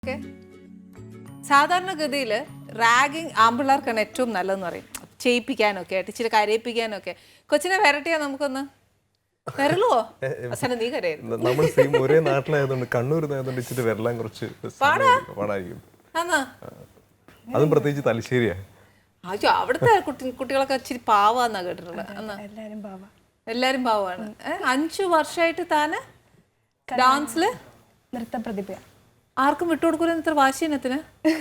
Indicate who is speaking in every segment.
Speaker 1: Okay, സാധാരണഗതിയിൽ ragging ആമ്പിള്ളേർക്കാണ് ഏറ്റവും നല്ലതെന്ന് പറയും. ചെയ്യിപ്പിക്കാനൊക്കെ ആയിട്ട് ഇച്ചിരി കരയിപ്പിക്കാനൊക്കെ. കൊച്ചിനെ വരട്ടിയാ നമുക്കൊന്ന് വരലുവോ? അവസാനം നീ കരയായിരുന്നു.
Speaker 2: നമ്മൾ സെയിം ഒരേ നാട്ടിലായതുകൊണ്ട് കണ്ണൂരിനായതുകൊണ്ട് ഇച്ചിരി വരലാൻ കുറച്ച് പാടായിരിക്കും. അതും പ്രത്യേകിച്ച് തലശ്ശേരിയാ.
Speaker 1: അയ്യോ, അവിടുത്തെ കുട്ടികളൊക്കെ ഇച്ചിരി പാവാന്നാ കേട്ടിട്ടുള്ളത്. എല്ലാരും പാവാണ്. 5 വർഷമായിട്ട് താന് ഡാൻസില്
Speaker 3: നൃത്ത പ്രതിഭ.
Speaker 1: ആർക്കും വിട്ടുകൊടുക്കൂല ഇത്ര വാശീനത്തിന്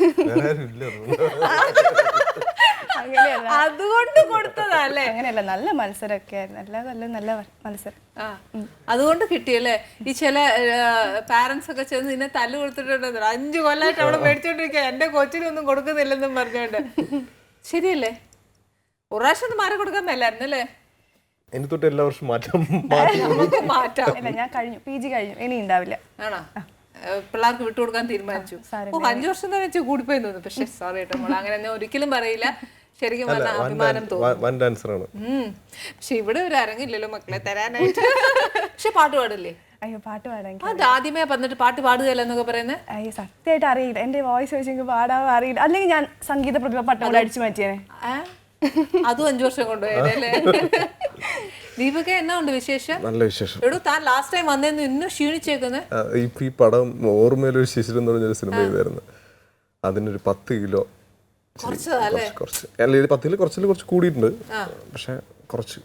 Speaker 1: അതുകൊണ്ട് കൊടുത്തതല്ലേ?
Speaker 3: അങ്ങനെയല്ല, നല്ല മത്സരമൊക്കെ ആയിരുന്നു. നല്ല മത്സരം.
Speaker 1: അതുകൊണ്ട് കിട്ടിയല്ലേ? ഈ ചില പാരന്റ്സ് ഒക്കെ ചെന്ന് നിന്നെ തല്ല് കൊടുത്തിട്ടുണ്ടോ? 5 കൊല്ലമായിട്ട് അവിടെ മേടിച്ചോണ്ടിരിക്കുക, എന്റെ കൊച്ചിനൊന്നും കൊടുക്കുന്നില്ലെന്നും പറഞ്ഞോണ്ട്. ശരിയല്ലേ? ഒരു പ്രാവശ്യം മാറി കൊടുക്കാൻ മേലായിരുന്നു അല്ലേ?
Speaker 2: എനിക്ക് തൊട്ട് എല്ലാ വർഷവും മാറ്റാം.
Speaker 3: ഇല്ല, ഞാൻ കഴിഞ്ഞു, PG കഴിഞ്ഞു, ഇനി ഉണ്ടാവില്ല.
Speaker 1: ആണോ? പിള്ളേർക്ക് വിട്ടുകൊടുക്കാൻ തീരുമാനിച്ചു. 5 വർഷം തന്നെ വെച്ച് കൂടിപ്പോയി തോന്നുന്നു. പക്ഷെ സോറി കേട്ടോ, നമ്മൾ അങ്ങനെ ഒരിക്കലും പറയില്ല. ശരിക്കും പറഞ്ഞാൽ അഭിമാനം തോന്നുന്നു. പക്ഷെ ഇവിടെ ഒരു അരങ്ങില്ലല്ലോ മക്കളെ തരാനായിട്ട്. പക്ഷെ പാട്ട് പാടില്ലേ?
Speaker 3: അയ്യോ, പാട്ട് പാടാൻ
Speaker 1: അത് ആദ്യമേ വന്നിട്ട് പാട്ട് പാടുകയല്ല എന്നൊക്കെ പറയുന്നത്.
Speaker 3: അയ്യോ, സത്യമായിട്ട് അറിയില്ല. എന്റെ വോയിസ് വെച്ച് എനിക്ക് പാടാൻ അറിയില്ല. അല്ലെങ്കിൽ ഞാൻ സംഗീത പ്രതിഭ പട്ടം കൂടെ അടിച്ചു മാറ്റിയേനെ.
Speaker 1: അതും 5 വർഷം കൊണ്ടുപോയതല്ലേ? ദീപക, എന്നാ ഉണ്ട് വിശേഷം?
Speaker 2: നല്ല വിശേഷം.
Speaker 1: എടോ, താൻ ലാസ്റ്റ് ടൈം വന്നേന്ന് ഇന്നും ക്ഷീണിച്ചേക്കുന്നത്.
Speaker 2: ഈ പടം ഓർമ്മയിലൊരു ശിശിരം എന്ന് പറഞ്ഞൊരു സിനിമ ചെയ്തായിരുന്നു. അതിനൊരു 10 കിലോ കുറച്ച് അല്ല, 10 കിലോ കുറച്ച് കൂടിയിട്ടുണ്ട്. പക്ഷെ കുറച്ച്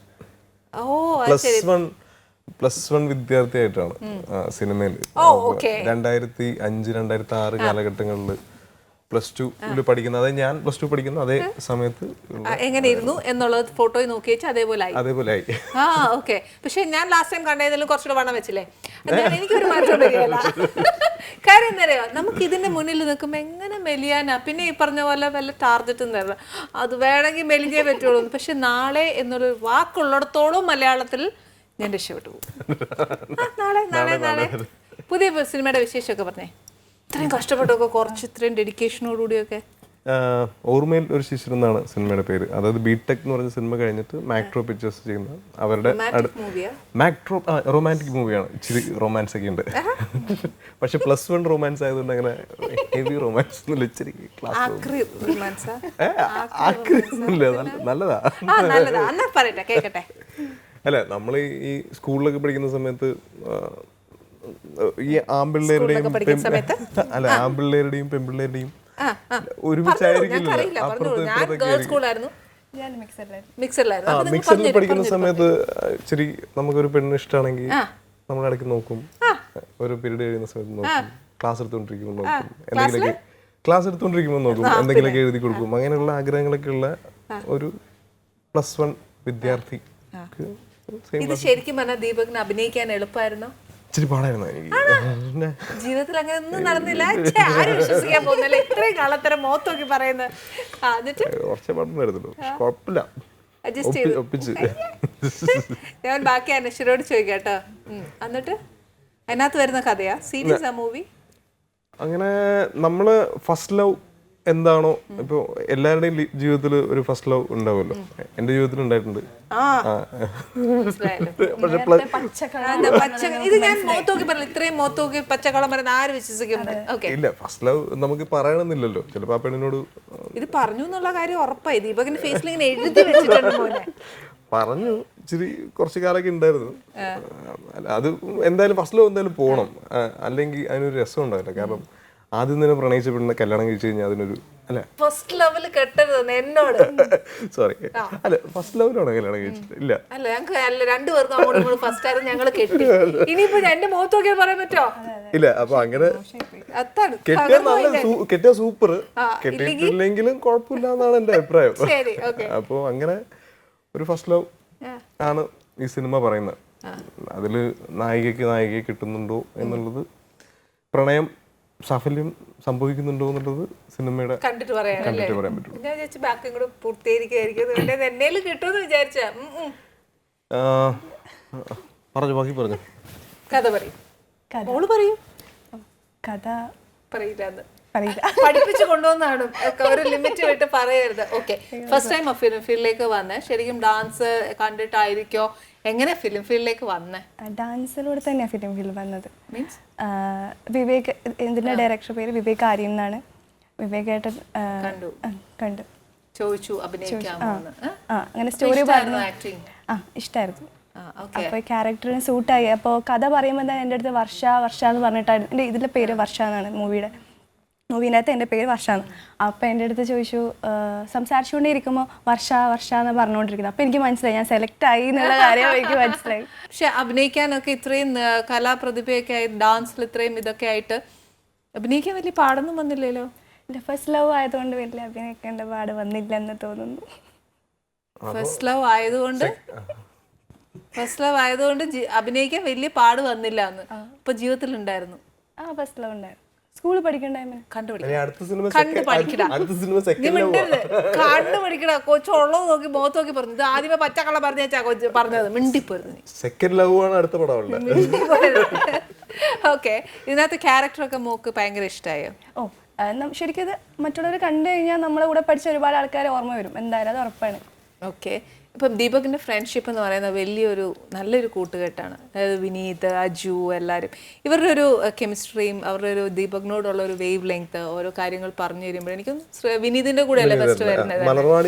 Speaker 2: +1 വിദ്യാർത്ഥിയായിട്ടാണ് സിനിമയിൽ 2005, 2006 കാലഘട്ടങ്ങളിൽ +2 പഠിക്കുന്ന, അതായത് ഞാൻ +2 പഠിക്കുന്ന അതേ സമയത്ത്
Speaker 1: എങ്ങനെയിരുന്നു എന്നുള്ളത് ഫോട്ടോയിൽ നോക്കി വെച്ചാൽ അതേപോലെ ആയി. ഓക്കെ. പക്ഷെ ഞാൻ ലാസ്റ്റ് ടൈം കണ്ടതിലും കുറച്ചുകൂടെ വണ്ണം വെച്ചില്ലേ? എനിക്കൊരു മാറ്റം വരികയല്ല. കാര്യം എന്തറിയോ, നമുക്ക് ഇതിന്റെ മുന്നിൽ നിൽക്കുമ്പോൾ എങ്ങനെ മെലിയാനാ? പിന്നെ ഈ പറഞ്ഞ പോലെ വല്ല ടാർജറ്റും തരണം, അത് വേണമെങ്കിൽ മെലിഞ്ഞേ പറ്റുള്ളൂ. പക്ഷെ നാളെ എന്നൊരു വാക്കുള്ളിടത്തോളം മലയാളത്തിൽ ഞാൻ രക്ഷപ്പെട്ടു പോകും. നാളെ പുതിയ സിനിമയുടെ വിശേഷമൊക്കെ പറഞ്ഞേ. ഇത്രയും കഷ്ടപ്പെട്ടൊക്കെ കുറച്ച് ഇത്രയും ഡെഡിക്കേഷനോടുകൂടിയൊക്കെ.
Speaker 2: ഓർമ്മയിൽ ഒരു ശിശിരം എന്നാണ് സിനിമയുടെ പേര്. അതായത് ബിടെക് എന്ന് പറഞ്ഞ സിനിമ കഴിഞ്ഞിട്ട് മാക്ട്രോ പിക്ചേഴ്സ് ചെയ്യുന്ന അവരുടെ മാക്ട്രോ റൊമാൻറ്റിക് മൂവിയാണ്. ഇച്ചിരി റൊമാൻസ് ഒക്കെ ഉണ്ട്. പക്ഷെ +1 റൊമാൻസ് ആയതുകൊണ്ട് അങ്ങനെ ഹെവി റൊമാൻസ് ഒന്നുമില്ല. ഇച്ചിരി നല്ലതാ. അല്ല, നമ്മൾ ഈ സ്കൂളിലൊക്കെ പഠിക്കുന്ന സമയത്ത് ഈ ആമ്പിള്ളേരുടെയും പെൺപിള്ളേരുടെയും ഒരുമിച്ചായിരിക്കില്ല. മിക്സറിൽ പഠിക്കുന്ന സമയത്ത് ഇച്ചിരി നമുക്കൊരു പെണ്ണ് ഇഷ്ടമാണെങ്കിൽ നമ്മൾ ഇടയ്ക്ക് നോക്കും. ഒരു പീരീഡ് കഴിയുന്ന സമയത്ത് നോക്കും. ക്ലാസ് എടുത്തുകൊണ്ടിരിക്കുമ്പോൾ നോക്കും. എന്തെങ്കിലുമൊക്കെ എഴുതി കൊടുക്കും. അങ്ങനെയുള്ള ആഗ്രഹങ്ങളൊക്കെ ഉള്ള ഒരു +1 വിദ്യാർത്ഥി.
Speaker 1: ഇത് ശരിക്കും പറഞ്ഞാൽ ദീപകിന് അഭിനയിക്കാൻ എളുപ്പമായിരുന്നോ?
Speaker 2: ഇച്ചിരി പാടായിരുന്നു എനിക്ക്.
Speaker 1: ജീവിതത്തിൽ അങ്ങനെ ഒന്നും നടന്നില്ല. ആരും വിശ്വസിക്കാൻ പോകുന്നില്ല ഇത്രയും കാലത്തരം മോത്തോക്കി പറയുന്നത്.
Speaker 2: കുറച്ചേ പാടുണ്ടായിരുന്നുള്ളൂ. കുഴപ്പമില്ല, ഒപ്പിച്ച്.
Speaker 1: ഞാൻ ബാക്കി അനശ്വരോട് ചോദിക്കാട്ടോ. എന്നിട്ട് അതിനകത്ത് വരുന്ന കഥയാ? സീരിയസ് ആ മൂവി?
Speaker 2: അങ്ങനെ നമ്മള് ഫസ്റ്റ് ലവ് എന്താണോ, ഇപ്പൊ എല്ലാവരുടെയും ജീവിതത്തിൽ ഒരു ഫസ്റ്റ് ലവ് ഉണ്ടാവുമല്ലോ. എന്റെ ജീവിതത്തിൽ ഉണ്ടായിട്ടുണ്ട്. ഇല്ല, ഫസ്റ്റ് ലവ് നമുക്ക് പറയണമെന്നില്ലല്ലോ. ചിലപ്പോ ആ പെണ്ണിനോട്
Speaker 1: ഇത് പറഞ്ഞു എന്നുള്ള കാര്യം ഉറപ്പായി. ദീപകിന്റെ ഫേസിൽ ഇങ്ങനെ എഴുതി വെച്ചിട്ടുണ്ട്.
Speaker 2: പറഞ്ഞു, ഇച്ചിരി കുറച്ച് കാലമൊക്കെ ഉണ്ടായിരുന്നു. അത് എന്തായാലും ഫസ്റ്റ് ലവ് എന്തായാലും പോകണം, അല്ലെങ്കിൽ അതിനൊരു രസം ഉണ്ടാവില്ല. കാരണം ആദ്യം തന്നെ പ്രണയിച്ച പെണ്ണിനെ കല്യാണം കഴിച്ചു കഴിഞ്ഞാൽ അതിനൊരു
Speaker 1: ഫസ്റ്റ് ലവില് കെട്ടരുത് എന്നോട്.
Speaker 2: സോറി, അല്ല, ഫസ്റ്റ് ലവിലാണോ കല്യാണം കഴിച്ചിട്ട്? ഇല്ല,
Speaker 1: അല്ല, ഞങ്ങൾക്ക് 2 പേർക്കും അങ്ങോട്ടും ഫസ്റ്റ് ആയിരുന്നു. ഞങ്ങൾ കെട്ടി. ഇനിയിപ്പോ എന്റെ മുഖത്ത് നോക്കിയാൽ പറയാൻ പറ്റോ?
Speaker 2: ഇല്ല. അപ്പൊ അങ്ങനെ കെട്ടിയ സൂപ്പർ, കെട്ടിയിട്ടില്ലെങ്കിലും കുഴപ്പമില്ല എന്നാണ് എന്റെ അഭിപ്രായം. അപ്പൊ അങ്ങനെ ഒരു ഫസ്റ്റ് ലവ് ആണ് ഈ സിനിമ പറയുന്നത്. അതില് നായികയെ കിട്ടുന്നുണ്ടോ എന്നുള്ളത്, പ്രണയം സാഫല്യം സംഭവിക്കുന്നുണ്ടോ എന്നുള്ളത് സിനിമയുടെ കണ്ടിട്ട് പറയാൻ പറ്റും. പറഞ്ഞു, ബാക്കി പറഞ്ഞു.
Speaker 1: കഥ പറയും.
Speaker 3: കഥ
Speaker 1: പറയില്ല.
Speaker 3: പറയില്ല.
Speaker 1: പഠിപ്പിച്ചു കൊണ്ടുവന്നാണ്, ഒരു ലിമിറ്റ് വിട്ട് പറയരുത്. ഓക്കെ, ഫസ്റ്റ് ടൈം ഫിലിം ഫീൽഡിലേക്ക് വന്നേ, ശരിക്കും ഡാൻസ് കണ്ടിട്ടായിരിക്കോ, എങ്ങനെ ഫിലിം ഫീൽഡിലേക്ക് വന്നേ?
Speaker 3: ഡാൻസിലൂടെ തന്നെയാണ് ഫിലിം ഫീൽഡ് വന്നത്.
Speaker 1: മീൻസ്
Speaker 3: വിവേക്, ഇതിന്റെ ഡയറക്ടർ പേര് വിവേക് ആര്യം എന്നാണ്. വിവേക് ഏട്ടൻ കണ്ടു,
Speaker 1: ചോദിച്ചു അഭിനയിക്കാമോ എന്ന്.
Speaker 3: അങ്ങനെ സ്റ്റോറി പറഞ്ഞു.
Speaker 1: ആക്ടിങ്
Speaker 3: ഇഷ്ടമായിരുന്നു. അപ്പോൾ ക്യാരക്ടറിന് സൂട്ടായി. അപ്പോൾ കഥ പറയുമ്പോൾ തന്നെ എൻ്റെ അടുത്ത് വർഷ എന്ന് പറഞ്ഞിട്ടായിരുന്നു. എൻ്റെ ഇതിലെ പേര് വർഷ എന്നാണ്, മൂവീനകത്ത് എൻ്റെ പേര് വർഷാന്ന്. അപ്പോൾ എൻ്റെ അടുത്ത് ചോദിച്ചു, സംസാരിച്ചുകൊണ്ടേ ഇരിക്കുമ്പോൾ വർഷ എന്ന് പറഞ്ഞുകൊണ്ടിരിക്കുന്നത്. അപ്പോൾ എനിക്ക് മനസ്സിലായി ഞാൻ സെലക്ട് ആയി എന്നുള്ള കാര്യം എനിക്ക് മനസ്സിലായി.
Speaker 1: പക്ഷെ അഭിനയിക്കാനൊക്കെ ഇത്രയും കലാപ്രതിഭയൊക്കെ ആയി, ഡാൻസിൽ ഇത്രയും ഇതൊക്കെ ആയിട്ട് അഭിനയിക്കാൻ വലിയ പാടൊന്നും വന്നില്ലല്ലോ.
Speaker 3: എൻ്റെ ഫസ്റ്റ് ലവ് ആയതുകൊണ്ട് വലിയ അഭിനയിക്കേണ്ട പാട് വന്നില്ല എന്ന് തോന്നുന്നു.
Speaker 1: ഫസ്റ്റ് ലവ് ആയതുകൊണ്ട് അഭിനയിക്കാൻ വലിയ പാട് വന്നില്ല എന്ന് ഇപ്പൊ ജീവിതത്തിൽ ഉണ്ടായിരുന്നു.
Speaker 3: ഫസ്റ്റ് ലവ് ഉണ്ടായിരുന്നു. സ്കൂളിൽ പഠിക്കണ്ട
Speaker 1: കണ്ടുപിടിക്കടാ. കൊച്ചുള്ളത് നോക്കി മുഖത്ത് നോക്കി പറഞ്ഞു. ഇത് ആദ്യമേ പച്ചക്കള്ള പറഞ്ഞാ കൊച്ചു പറഞ്ഞത് മിണ്ടിപ്പോയിരുന്നു.
Speaker 2: സെക്കൻഡ് ലവ് ആണ് അടുത്ത പടം.
Speaker 1: ഓക്കെ, ഇതിനകത്ത് ക്യാരക്ടറൊക്കെ മോക്ക് ഭയങ്കര ഇഷ്ടമായോ?
Speaker 3: ശരിക്കും ഇത് മറ്റുള്ളവർ കണ്ടു കഴിഞ്ഞാൽ നമ്മളെ കൂടെ പഠിച്ച ഒരുപാട് ആൾക്കാരെ ഓർമ്മ വരും, എന്തായാലും അത് ഉറപ്പാണ്.
Speaker 1: ഓക്കെ, ഇപ്പം ദീപകിൻ്റെ ഫ്രണ്ട്ഷിപ്പ് എന്ന് പറയുന്നത് നല്ലൊരു കൂട്ടുകെട്ടാണ്. അതായത് വിനീത്, അജു, എല്ലാവരും ഇവരുടെ ഒരു കെമിസ്ട്രിയും അവരുടെ ഒരു ദീപകിനോടുള്ള ഒരു വേവ് ലെങ്ത്, ഓരോ കാര്യങ്ങൾ പറഞ്ഞു തരുമ്പോൾ എനിക്കും വിനീതിന്റെ കൂടെ അല്ലേ ഫസ്റ്റ് വരുന്നത്.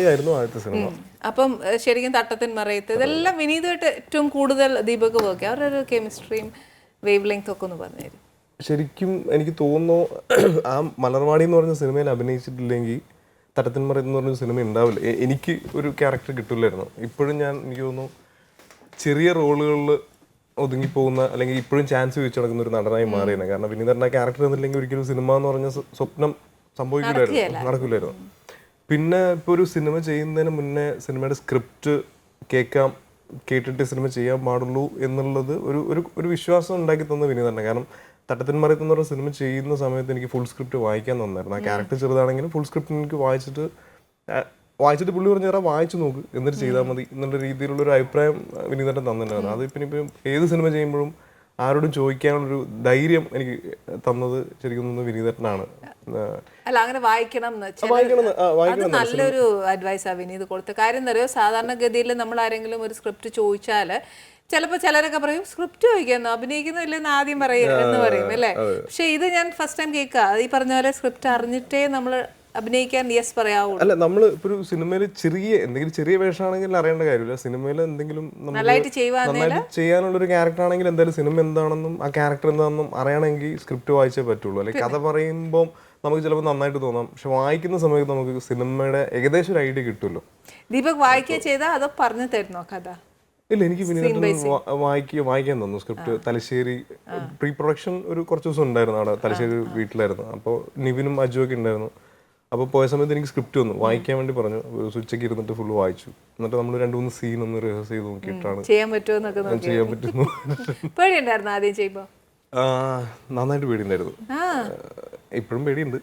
Speaker 1: അപ്പം ശരിക്കും തട്ടത്തിൻ മറയത്ത് ഇതെല്ലാം വിനീതുമായിട്ട് ഏറ്റവും കൂടുതൽ ദീപക് വർക്ക്, അവരുടെ ഒരു കെമിസ്ട്രിയും വേവ് ലെങ്ത് ഒക്കെ ഒന്ന് പറഞ്ഞു തരും.
Speaker 2: ശരിക്കും എനിക്ക് തോന്നുന്നു ആ മലർവാടി എന്ന് പറഞ്ഞ സിനിമയിൽ അഭിനയിച്ചിട്ടില്ലെങ്കിൽ തട്ടത്തിന്മറ എന്ന് പറഞ്ഞ സിനിമ ഉണ്ടാവില്ല. എനിക്ക് ഒരു ക്യാരക്ടർ കിട്ടില്ലായിരുന്നു. ഇപ്പോഴും എനിക്ക് തോന്നുന്നു ചെറിയ റോളുകളിൽ ഒതുങ്ങിപ്പോകുന്ന, അല്ലെങ്കിൽ ഇപ്പോഴും ചാൻസ് ചോദിച്ചു നടക്കുന്ന ഒരു നടനായി മാറിയാണ്. കാരണം വിനീതന്റെ ക്യാരക്ടർ എന്നില്ലെങ്കിൽ ഒരിക്കലും സിനിമ എന്ന് പറഞ്ഞ സ്വപ്നം നടക്കില്ലായിരുന്നു. പിന്നെ ഇപ്പോൾ ഒരു സിനിമ ചെയ്യുന്നതിന് മുന്നേ സിനിമയുടെ സ്ക്രിപ്റ്റ് കേട്ടിട്ട് സിനിമ ചെയ്യാൻ പാടുള്ളൂ എന്നുള്ളത് ഒരു വിശ്വാസം ഉണ്ടാക്കി തന്ന വിനീതന്നെ. കാരണം തട്ടത്തിന്മറയത്ത് എന്ന് പറഞ്ഞ സിനിമ ചെയ്യുന്ന സമയത്ത് എനിക്ക് ഫുൾ സ്ക്രിപ്റ്റ് വായിക്കാൻ തന്നായിരുന്നു. ആ ക്യാരക്ടർ ചെറുതാണെങ്കിലും ഫുൾ സ്ക്രിപ്റ്റ് എനിക്ക് വായിച്ചിട്ട് പുള്ളി പറഞ്ഞു തരാം, വായിച്ചു നോക്ക് എന്നിട്ട് ചെയ്താൽ മതി എന്നുള്ള രീതിയിലുള്ളൊരു അഭിപ്രായം വിനീതന്റെ തന്നിട്ടുണ്ടായിരുന്നു. അത് ഇപ്പം ഏത് സിനിമ ചെയ്യുമ്പോഴും ആരോടും ചോദിക്കാനുള്ളൊരു ധൈര്യം എനിക്ക് തന്നത് ശരിക്കും വിനീതനാണ്.
Speaker 1: അല്ല, അങ്ങനെ വായിക്കണം അത് നല്ലൊരു അഡ്വൈസാ വിനീത് കൊടുത്ത. കാര്യം എന്താ അറിയോ, സാധാരണഗതിയിൽ നമ്മൾ ആരെങ്കിലും ഒരു സ്ക്രിപ്റ്റ് ചോദിച്ചാൽ ചിലപ്പോൾ ചിലരൊക്കെ പറയും സ്ക്രിപ്റ്റ് ചോദിക്കുന്നു അഭിനയിക്കുന്നില്ലെന്ന് ആദ്യം എന്ന് പറയും അല്ലേ. പക്ഷെ ഇത് ഞാൻ ഫസ്റ്റ് ടൈം കേൾക്കുക. ഈ പറഞ്ഞ പോലെ സ്ക്രിപ്റ്റ് അറിഞ്ഞിട്ടേ നമ്മൾ അഭിനയിക്കാൻ യെസ് പറയാവുള്ളൂ.
Speaker 2: അല്ല, നമ്മൾ ഇപ്പോൾ ഒരു സിനിമയിൽ എന്തെങ്കിലും ചെറിയ വേഷമാണെങ്കിൽ അറിയേണ്ട കാര്യമില്ല. സിനിമയിൽ എന്തെങ്കിലും
Speaker 1: നന്നായിട്ട്
Speaker 2: ചെയ്യാനുള്ളൊരു ക്യാരക്ടർ ആണെങ്കിൽ എന്തായാലും സിനിമ എന്താണെന്നും ആ ക്യാരക്ടർ എന്താണെന്നും അറിയണമെങ്കിൽ സ്ക്രിപ്റ്റ് വായിച്ചേ പറ്റുള്ളൂ. അല്ലെങ്കിൽ കഥ പറയുമ്പോൾ നമുക്ക് ചിലപ്പോൾ നന്നായിട്ട് തോന്നാം, പക്ഷെ വായിക്കുന്ന സമയത്ത് നമുക്ക് സിനിമയുടെ ഏകദേശം ഒരു ഐഡിയ കിട്ടുമല്ലോ.
Speaker 1: ദീപക് വായിക്കുക ചെയ്താൽ അതോ പറഞ്ഞു തരുന്നോ കഥ?
Speaker 2: ഇല്ല, എനിക്ക് വായിക്കാൻ തന്നു സ്ക്രിപ്റ്റ്. തലശ്ശേരി പ്രീ പ്രൊഡക്ഷൻ കുറച്ച് ദിവസം ഉണ്ടായിരുന്നു അവിടെ, തലശ്ശേരി വീട്ടിലായിരുന്നു. അപ്പോൾ നിവിനും അജു ഒക്കെ ഉണ്ടായിരുന്നു. അപ്പോൾ പോയ സമയത്ത് എനിക്ക് സ്ക്രിപ്റ്റ് വന്നു, വായിക്കാൻ വേണ്ടി പറഞ്ഞു. ഉച്ചയ്ക്ക് ഇരുന്നിട്ട് ഫുള്ള് വായിച്ചു. എന്നിട്ട് നമ്മൾ 2-3 സീൻ ഒന്ന് റിഹേഴ്സ് ചെയ്ത് നോക്കിയിട്ടാണ്
Speaker 1: ചെയ്യാൻ പറ്റുന്നു. പേടിയുണ്ടായിരുന്നു ആദ്യം ചെയ്യുമ്പോൾ?
Speaker 2: നന്നായിട്ട് പേടിയുണ്ടായിരുന്നു. ഇപ്പോഴും പേടിയുണ്ട്.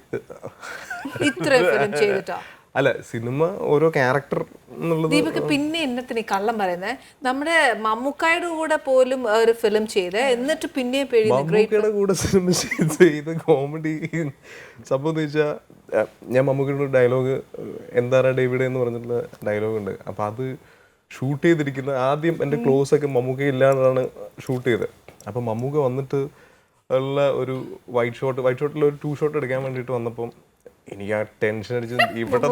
Speaker 2: അല്ല, സിനിമ ഓരോ ക്യാരക്ടർ എന്നുള്ളത്.
Speaker 1: ദീപക് പിന്നെ എന്നത്തിന് കള്ളം പറയുന്നത്, നമ്മുടെ മമ്മൂക്കായുടെ കൂടെ പോലും ഒരു ഫിലിം ചെയ്ത് എന്നിട്ട് പിന്നെ
Speaker 2: മമ്മൂക്കയുടെ കൂടെ സിനിമ ചെയ്ത് കോമഡി സംഭവം വെച്ചാൽ, ഞാൻ മമ്മൂക്കയുടെ ഡയലോഗ് എന്താ ഡേവിഡ് എന്ന് പറഞ്ഞിട്ടുള്ള ഡയലോഗ് ഉണ്ട്. അപ്പം അത് ഷൂട്ട് ചെയ്തിരിക്കുന്ന ആദ്യം എൻ്റെ ക്ലോസ് ഒക്കെ മമ്മൂക്ക ഇല്ലാണ്ടാണ് ഷൂട്ട് ചെയ്തത്. അപ്പം മമ്മൂക്ക വന്നിട്ട് ഉള്ള ഒരു വൈറ്റ് ഷോട്ടിൽ ഒരു 2 ഷോട്ട് എടുക്കാൻ വേണ്ടിയിട്ട് വന്നപ്പം എനിക്ക് ആ ടെൻഷൻ അടിച്ച് ഇവിടെ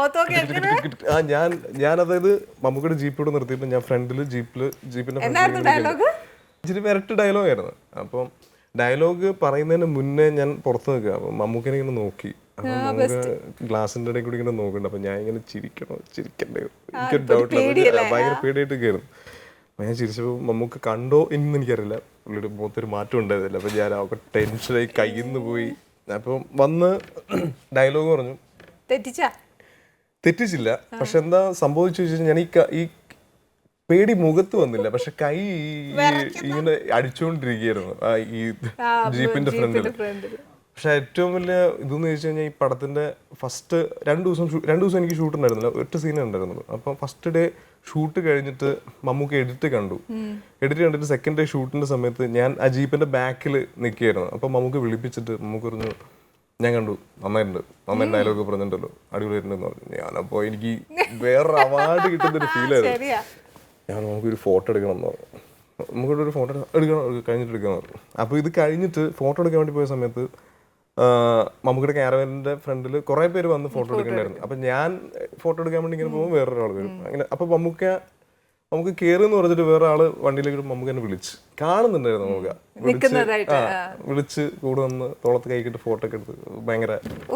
Speaker 2: ഞാൻ അതായത് മമ്മൂക്കയുടെ ജീപ്പിലൂടെ നിർത്തിയപ്പോൾ ഞാൻ ഫ്രണ്ടിൽ ജീപ്പിന്റെ ഇച്ചിരി വരട്ട് ഡയലോഗ് ആയിരുന്നു. അപ്പം ഡയലോഗ് പറയുന്നതിന് മുന്നേ ഞാൻ പുറത്ത് നിൽക്കുക. അപ്പം മമ്മൂക്കനെ ഇങ്ങനെ നോക്കി. അപ്പം നമുക്ക് ഗ്ലാസിന്റെ ഇടയിൽ കൂടി ഇങ്ങനെ നോക്കുന്നുണ്ട്. അപ്പം ഞാൻ ഇങ്ങനെ ചിരിക്കണ്ടേ, എനിക്കൊരു ഡൗട്ട്, ഭയങ്കര പേടിയായിട്ട് കയറുന്നു. അപ്പം ഞാൻ ചിരിച്ചപ്പോൾ മമ്മൂക്ക കണ്ടോ എന്ന് എനിക്കറിയില്ല. പുള്ളിയുടെ മുഖത്തൊരു മാറ്റം ഉണ്ടായിരുന്നില്ല. അപ്പം ഞാൻ അവർക്ക് ടെൻഷനായി കയ്യിൽ നിന്ന് പോയി. അപ്പം വന്ന് ഡയലോഗ് പറഞ്ഞു. തെറ്റിച്ചില്ല. പക്ഷെ എന്താ സംഭവിച്ചു വെച്ചാൽ ഞാൻ ഈ പേടി മുഖത്ത് വന്നില്ല, പക്ഷെ കൈ ഇങ്ങനെ അടിച്ചുകൊണ്ടിരിക്കുകയായിരുന്നു ഈ ജീപ്പിന്റെ ഫ്രണ്ടിൽ. പക്ഷെ ഏറ്റവും വലിയ ഇതെന്ന് ചോദിച്ചു കഴിഞ്ഞാൽ, ഈ പടത്തിന്റെ ഫസ്റ്റ് 2 ദിവസം എനിക്ക് ഷൂട്ട് ഉണ്ടായിരുന്നില്ല, 8 സീനേ ഉണ്ടായിരുന്നുള്ളൂ. അപ്പം ഫസ്റ്റ് ഡേ ഷൂട്ട് കഴിഞ്ഞിട്ട് മമ്മൂക്ക് എഡിറ്റ് കണ്ടിട്ട് സെക്കൻഡ് ഡേ ഷൂട്ടിന്റെ സമയത്ത് ഞാൻ ആ ജീപ്പിന്റെ ബാക്കിൽ നിൽക്കുകയായിരുന്നു. അപ്പം മമ്മൂക്ക് വിളിപ്പിച്ചിട്ട് മമ്മൂക്ക് പറഞ്ഞു, ഞാൻ കണ്ടു, നന്നായിട്ടുണ്ട്, നന്നായി ഡയലോഗ് പറഞ്ഞിട്ടുണ്ടല്ലോ, അടിപൊളിയായിട്ടുണ്ടെന്ന് പറഞ്ഞു. ഞാനപ്പോ എനിക്ക് വേറൊരു അവാർഡ് കിട്ടുന്നൊരു ഫീലായിരുന്നു. ഞാൻ നമുക്കൊരു ഫോട്ടോ എടുക്കണം എന്ന് പറഞ്ഞു. നമുക്കിവിടെ ഒരു ഫോട്ടോ എടുക്കണം, കഴിഞ്ഞിട്ട് എടുക്കാന്ന് പറഞ്ഞു. അപ്പോൾ ഇത് കഴിഞ്ഞിട്ട് ഫോട്ടോ എടുക്കാൻ വേണ്ടി പോയ സമയത്ത് മമ്മൂക്കിയുടെ ക്യാരവാനിന്റെ ഫ്രണ്ടിൽ കുറെ പേര് വന്ന് ഫോട്ടോ എടുക്കണ്ടായിരുന്നു. അപ്പൊ ഞാൻ ഫോട്ടോ എടുക്കാൻ വേണ്ടി ഇങ്ങനെ പോകുമ്പോൾ വേറൊരാൾ വരും അങ്ങനെ. അപ്പൊ നമുക്ക് കയറി എന്ന് പറഞ്ഞിട്ട് വേറെ ആള് വണ്ടിയിലേക്ക് നമുക്ക് തന്നെ വിളിച്ച് കാണുന്നുണ്ടായിരുന്നു. നമുക്ക് വിളിച്ച് കൂടെ വന്ന് തോളത്ത് കൈക്കിട്ട് ഫോട്ടോ ഒക്കെ എടുത്ത് ഭയങ്കര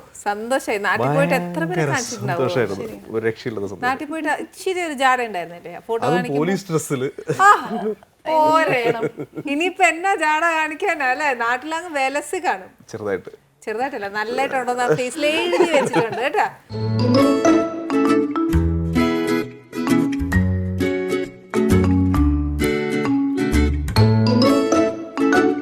Speaker 2: സന്തോഷമായിരുന്നു. ഒരു രക്ഷയില്ലാത്ത സന്തോഷം. പോലീസ് ഡ്രസ്സില്
Speaker 1: ഇനിയിപ്പോ എന്നാ ജാട കാണിക്കാനാ അല്ലെ? നാട്ടിലങ്ങ് വിലസ് കാണും.
Speaker 2: ചെറുതായിട്ടല്ല,
Speaker 1: നല്ലതായിട്ടുണ്ടോ ഫേസിൽ എഴുതി വെച്ചിട്ടുണ്ട് കേട്ടാ.